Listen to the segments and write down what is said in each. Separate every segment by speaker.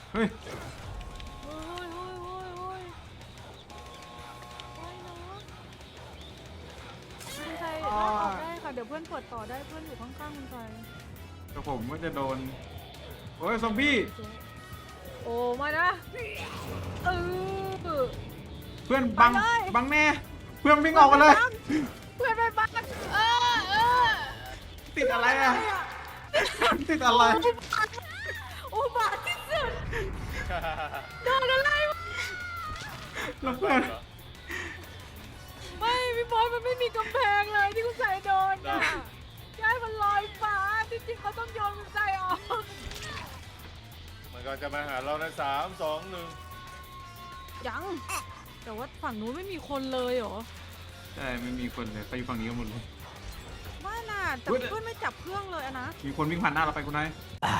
Speaker 1: เฮ้ย
Speaker 2: โอ้ยโอ้ยโอ้ยโอ้ยโอ้ยเนาะคุณชัยลากออกได้ค่ะเดี๋ยวเพื่อนเปิดต่อได้เพื่อนอยู่ข้างๆคุณชัย
Speaker 1: แต่ผมก็จะโดนโอ้ยซอมบี้
Speaker 2: โอ้มานะเออ
Speaker 1: เพื่อนบัง
Speaker 2: ไปเลย
Speaker 1: บังแน่เพื่อนวิ่งออกมาเลย
Speaker 2: เพื่อนไปบ้านเออ
Speaker 1: ติดอะไรอ่ะติดอะไร
Speaker 2: อุบาทที่สุดโดนอะไรวะ
Speaker 1: แล้วเพื่อน
Speaker 2: ไม่พี่บอยมันไม่มีกำแพงเลยที่คุณใส่โดนอ่ะใช่มันลอยฟ้าจริงๆเขาต้องโยนคุณใส่ออก
Speaker 3: มันก็จะมาหาเราใน3 2 1
Speaker 2: ยังแต่ว่าฝั่งนู้นไม่มีคนเลยเหรอ
Speaker 1: ใช่ไม่มีคนเลยไปอยู่ฝั่งนี้กันหมดเลย
Speaker 2: ไม่น่ะแต่
Speaker 1: อุ๊ย
Speaker 2: เพื่อนไม่จับเครื่องเลยอะนะ
Speaker 1: มีคนวิ่งผ่านหน้าเราไปคุณนาย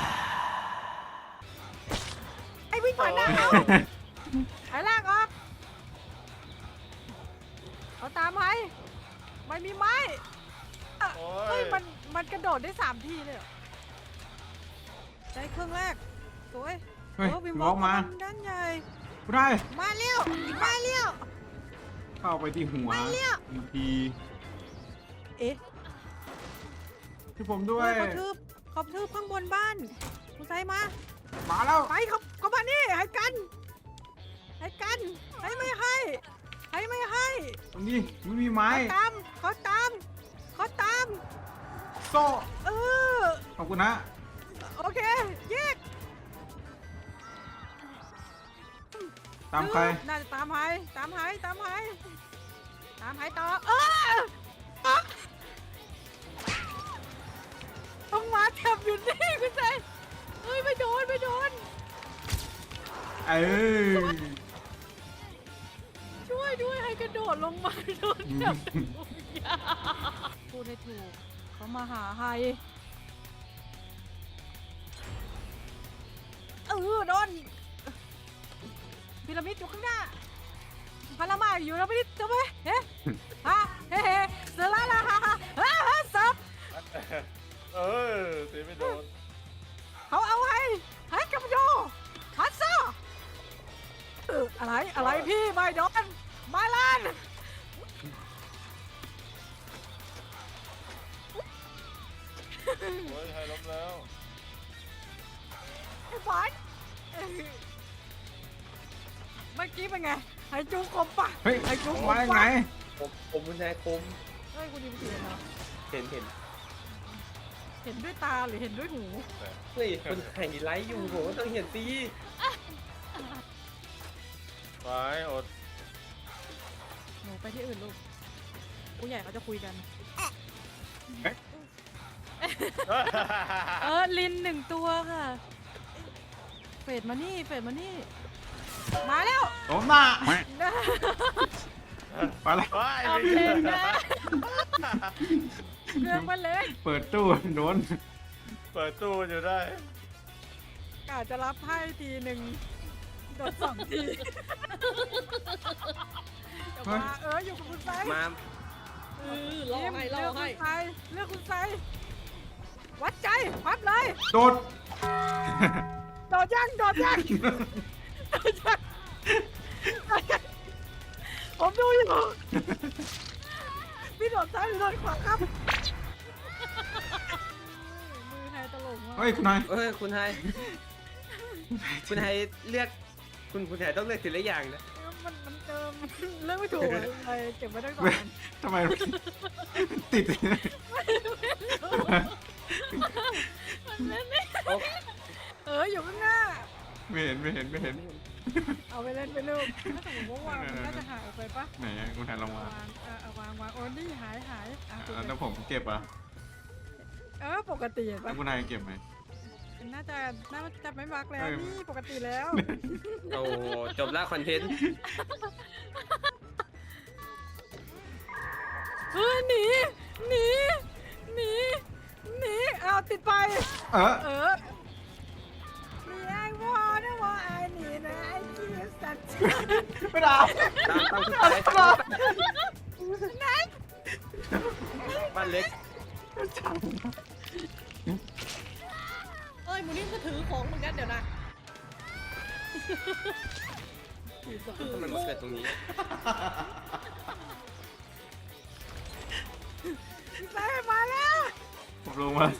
Speaker 2: ไอ้วิ่งผ่านหน้าเขาไอ้ลากออกเขาตามไปไม่มีไม้
Speaker 3: โอ้
Speaker 2: เฮ้
Speaker 3: ย
Speaker 2: ยมันกระโดดได้3 ทีเลยเหรอได้เครื่องแรกสวย
Speaker 1: เฮ้ย
Speaker 2: วิม
Speaker 1: วอล์กมา
Speaker 2: ด้านใหญ่
Speaker 1: คุณนาย
Speaker 2: มาเร็วมาเร็ว
Speaker 1: เข้าไปที่หัว
Speaker 2: ไม่เลี้ยว
Speaker 1: อีกที
Speaker 2: เอ๊ะ
Speaker 1: ที่ผมด้วย
Speaker 2: เขาทืบข้างบนบ้านคุณไซมา
Speaker 1: มาแล้ว
Speaker 2: ไปเขามานี่ให้กันให้ไม่ให้
Speaker 1: ตรงนี้ไม่มีไม้
Speaker 2: เขาตาม
Speaker 1: โซ่
Speaker 2: เออ
Speaker 1: ขอบคุณนะ
Speaker 2: โอเคแยก
Speaker 1: ตามใคร
Speaker 2: น่าจะตามหายต่อต้องมาแถบอยู่นี่คุณใจเฮ้ยไม่โดน
Speaker 1: เอ้ย
Speaker 2: ช่วยด้วยให้กระโดดลงมาโดนแถบพูดให้ถูกเขามาหาไฮโดนพีระมิดอยู่ข้างหน้าพารามาอยู่แล้วไม่ได้จะไหมเฮ้เฮ้เสือละซับ
Speaker 3: เออตีไม่โดน
Speaker 2: เขาเอาให้กับโยฮัตซ่าอะไรพี่ไม่โดนมาลาน
Speaker 3: โอ้ยไทยล้มแล้ว
Speaker 2: ไอ้บอลเมื่อกี้เป็นไงไอ้จูคมปะ
Speaker 1: เฮ้ย
Speaker 2: ไอ้จูค
Speaker 1: มาได้ไง
Speaker 4: ผมคุณนายคม
Speaker 2: เฮ้ยคุณดิมเสียเหรอ
Speaker 4: เห็น
Speaker 2: เห็นด้วยตาหรือเห็นด้วยหู
Speaker 4: เฮ้ยคุณนายไลฟ์อยู่ผมก็ต้องเห็นสิ
Speaker 3: ไปอด
Speaker 2: หนูไปที่อื่นลูกผู้ใหญ่เขาจะคุยกันลิน1 ตัวค่ะเฟดมานี่มาแล้ว
Speaker 1: โดนหน้าไปแล้ว
Speaker 3: ว้าย
Speaker 2: เอาเพลงนะเครื่องมันเล็ก
Speaker 1: เปิดตู้โดน
Speaker 3: เปิดตู้อยู่ได้
Speaker 2: กะจะรับให้ทีหนึ่งโดน2 ทีแต่ว่าอยู่กับคุณไซ
Speaker 4: มา
Speaker 2: เลือกคุณไซวัดใจพับเลย
Speaker 1: โดด
Speaker 2: โดดยังผมดูอยู่พี่โดดซ้ายหรือโดดขวาครับมือไทยตลกมาก
Speaker 1: เฮ้ยคุณนาย
Speaker 4: เอ้ยคุณนายเลือกคุณนายต้องเลือกทีละอย่างนะ
Speaker 2: มันเติมเรื่องไม่ถูกเลยเก็บไว้ได้ก่อน
Speaker 1: ทำไมติด
Speaker 2: อยู่ข้างหน้า
Speaker 1: ไม่เห็น
Speaker 2: เอาไปเล่นไปลูกถ้าสมมติว่าวางมันน่าจะหายออกไปปะ
Speaker 1: ไหนคุณนายลองมาว
Speaker 2: างโอ้นี่หาย
Speaker 1: แล้วผมเก็บอ่ะ
Speaker 2: ปกติปะ
Speaker 1: แล้วคุณนายเก็บไหม
Speaker 2: น่าจะไม่บักแล้วนี่ปกติแล้ว
Speaker 4: โอ้จบละคอนเทนต์
Speaker 2: หนีเอาติดไปมีไอ้วอนะวอไอ้หนีนะไอ้จีสัตว์
Speaker 1: ไม่ได้
Speaker 4: ตามคุณนายบ้านเล็ก
Speaker 5: เอ้ยหมูนี่ก็ถือของเหมือนกันเดี๋ยวนะ
Speaker 4: ทำไมมาเกิดตรงนี้
Speaker 2: พี่ชายมาแล้ว
Speaker 1: ผมลงมา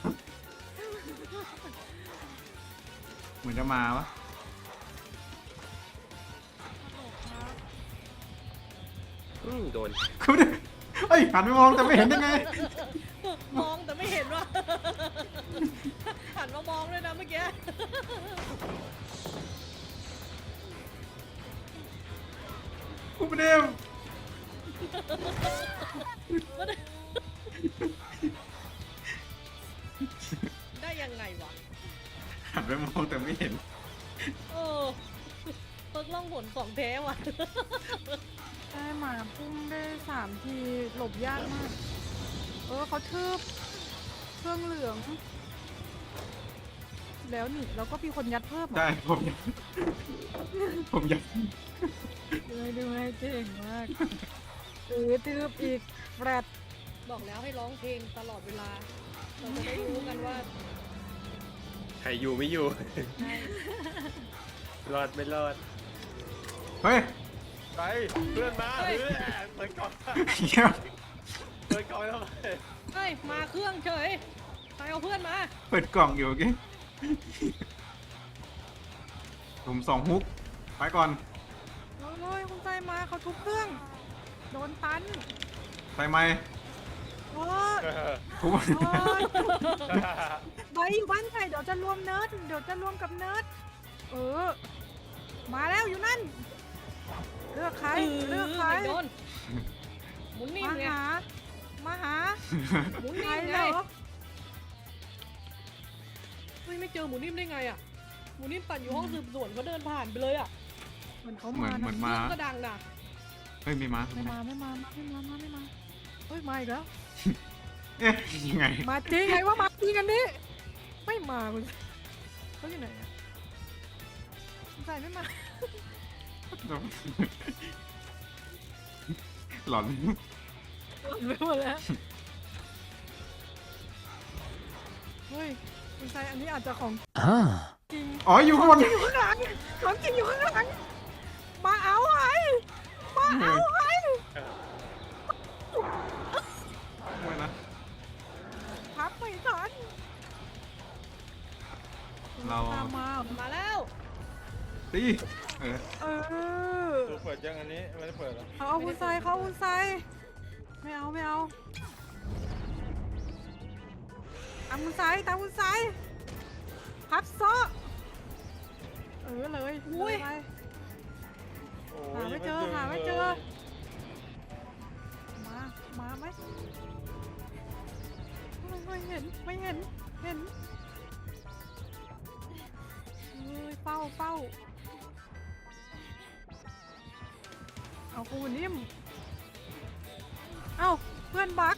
Speaker 1: เหมือนจะมาวะ
Speaker 4: โดน
Speaker 1: คุณเฮ้ยหันไปมองแต่ไม่เห็นได้ไง
Speaker 5: มองแต่ไม่เห็นว่า หันมามองด้วยนะเมื่อกี้
Speaker 1: คุณเดม
Speaker 5: ได้ยังไงวะ
Speaker 1: หันไปมองแต่ไม่เห็น
Speaker 5: เออเพิกล่องหนของแท้ว่ะ
Speaker 2: ได้หมาพุ่งได้3 ทีหลบยากมาก เขาทืบเครื่องเหลือง แล้วนี่เราก็มีคนยัดเพิ่มเหรอ
Speaker 1: ได้ผมอยาก
Speaker 2: ดูให้เก่งมากทืบอีกแฟรด
Speaker 5: บอกแล้วให้ร้องเพลงตลอดเวลา เราจะได้รู้กันว่า
Speaker 4: ใครอยู่ไม่อยู่ รอดไม่รอด
Speaker 1: เฮ้ย
Speaker 3: ไปเพื่อนมาเพื่อนเปิดกล่อง
Speaker 1: เหี้ย
Speaker 3: เปิดกล่องทำไม
Speaker 5: เฮ้ย มาเครื่องเฉยใครเอาเพื่อนมา
Speaker 1: เปิดกล่องอยู่เมื่อกี้ผม2 ฮุกไปก่อน
Speaker 2: เลยคุณใจมาเขาทุบเครื่อง โดนตัน
Speaker 1: ใส่ไม้
Speaker 2: โอ้ย
Speaker 1: ทุบ
Speaker 2: โอ้ยไว้อยู่บ้านใครเดี๋ยวจะรวมเนิร์ดเดี๋ยวจะรวมกับเนิร์ดมาแล้วอยู่นั่น เลือกใครเลือกใคร
Speaker 5: โดนหมุนนิ่ม
Speaker 2: มา
Speaker 5: ไง
Speaker 2: หา มาหา
Speaker 5: หมุน
Speaker 2: ใคร
Speaker 5: นิ่ม
Speaker 2: เห
Speaker 5: ไง
Speaker 2: รอ
Speaker 5: เฮ้ยไม่เจอหมุนนิ่มได้ไงอ่ะหมุนนิ่มปั่นอยู่ห้องสืบสวนเขาเดินผ่านไปเลยอ่ะ
Speaker 2: เหมือนเขา
Speaker 1: เหมื
Speaker 2: มา
Speaker 1: อน
Speaker 2: นะ
Speaker 1: เหมือน
Speaker 5: เค
Speaker 1: มา
Speaker 5: รื่องก็ดังนะ
Speaker 1: เฮ้ยไม่มา
Speaker 2: ไม่มาเฮ้ยมาอีกแล้ว
Speaker 1: เอ๊ะยังไง
Speaker 2: มาจริงไงว่ามาจริงกันนี่ไม่มาคุณเขาอยู่ไหนอะคุณใส่ไม่มา
Speaker 1: หลอน
Speaker 2: ไปหมดแล้วเฮ้ยคุณใส่อันนี้อาจจะของจริง
Speaker 1: อ๋ออยู่ข้างบน
Speaker 2: อยู่ข้างหลังของจริงอยู่ข้างหลังมาเอาไอ้มาเอาไอ้
Speaker 1: ไม่นะ
Speaker 2: พับไม่ทัน
Speaker 1: เรา
Speaker 2: ตามมา
Speaker 5: มาแล้ว
Speaker 1: ตีเออ
Speaker 3: ตัวเปิดยังอันนี้ไม่ได้เปิดหรอ
Speaker 2: เขาเอาคุณใส่เขาเอาคุณใส่ไม่เอาไม่เอาตามคุณใส่ตามคุณใส่พับโซ่เลยอุ้ย
Speaker 3: โอ้
Speaker 2: หาไม่เจอหาไม่เจอ มาไหมไม่เห็นเห็นเฮ้ยเฝ้าเอากูนิ่มเอ้าเพื่อนบัก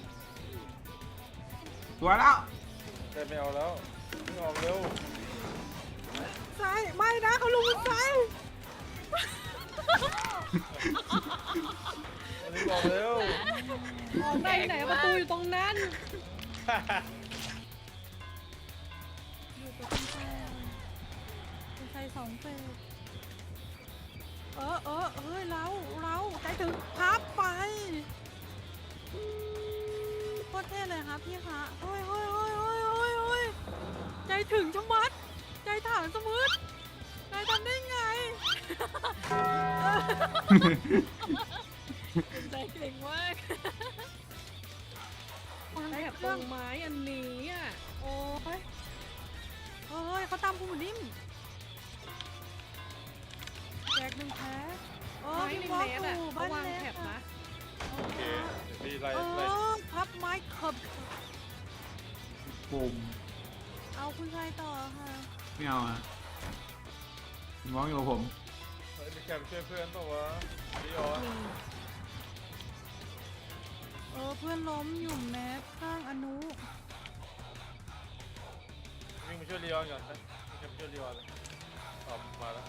Speaker 1: ตัวแล้ว
Speaker 3: ได้ไม่เอาแล้วไม่ออกเร็ว
Speaker 2: ซ้ายไม่นะเขาลงซ้าย
Speaker 3: อันนี้ออกเร็ว
Speaker 5: ออกได้ไหนประตูอยู่ตรงนั้น
Speaker 2: อยู่กับคุณชาย2 เฟสเฮ้ยเราใจถึงพับไปโคตรเท่เลยครับพี่คะโอ้ยใจถึงชะมัดใจถามสมุดนายทำได้ไงใจเก่งมาก
Speaker 5: ได้แบบตรงไม้อันนี้อ่ะ
Speaker 2: โอ้ยเขาตามคุณหมูนิ่มแจก1 แพ้
Speaker 5: ไม้
Speaker 2: พี่
Speaker 5: ริม
Speaker 2: บอส
Speaker 5: เนสอ่ะ
Speaker 2: อยู่
Speaker 5: เขา
Speaker 2: บ้าน
Speaker 5: วาง
Speaker 2: เล็ก
Speaker 5: แถบนะ
Speaker 3: โอเคดีไล่
Speaker 2: พับไม้เขบ
Speaker 1: ปุ่ม
Speaker 2: เอาคุณชายต่อค่ะ
Speaker 1: ไม่เอาอ่ะมองอยู่กับผม
Speaker 3: เฮ้ยมีแคมช่วยเพื่อนป่าวะดีออน
Speaker 2: เพื่อนล้มอยู่แมสข้างอนุ
Speaker 3: วิ่งมาช่วยลีออนก่อนนะมีแคมช่วยลีออนเลยมาแล้ว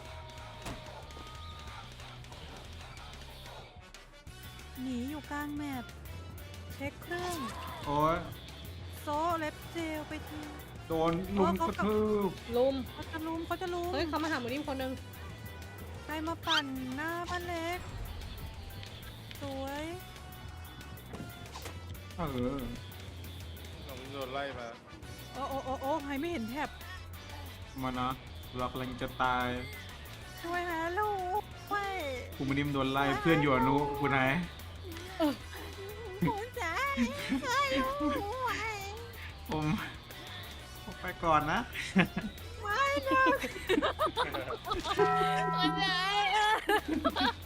Speaker 2: หนีอยู่กลางแมปเช็คเครื่อง
Speaker 1: โอ้ย
Speaker 2: โซเล็บเจลไปที
Speaker 1: โดนลุมกระทืบ
Speaker 5: ลุม
Speaker 2: เขาจะลุม
Speaker 5: เฮ้ยเขามาหาหมูนิ่มคนหนึง
Speaker 2: ใครมาปั่นหน้าบ้านเล็ก สวย
Speaker 1: เออ
Speaker 3: เราโดนไล่มา
Speaker 2: โอ้โอ้โอ้โอ้ใครไม่เห็นแถบ
Speaker 1: มานะเรากำลังจะตาย
Speaker 2: ช่วยนะลูกช่วย
Speaker 1: กูไม่นิ่มโดนไล่เพื่อนอยู่อนุกูไหน
Speaker 2: หัวใจช่วยลูกไว้
Speaker 1: ผมไปก่อนนะ
Speaker 2: ไม่นะหัวใจ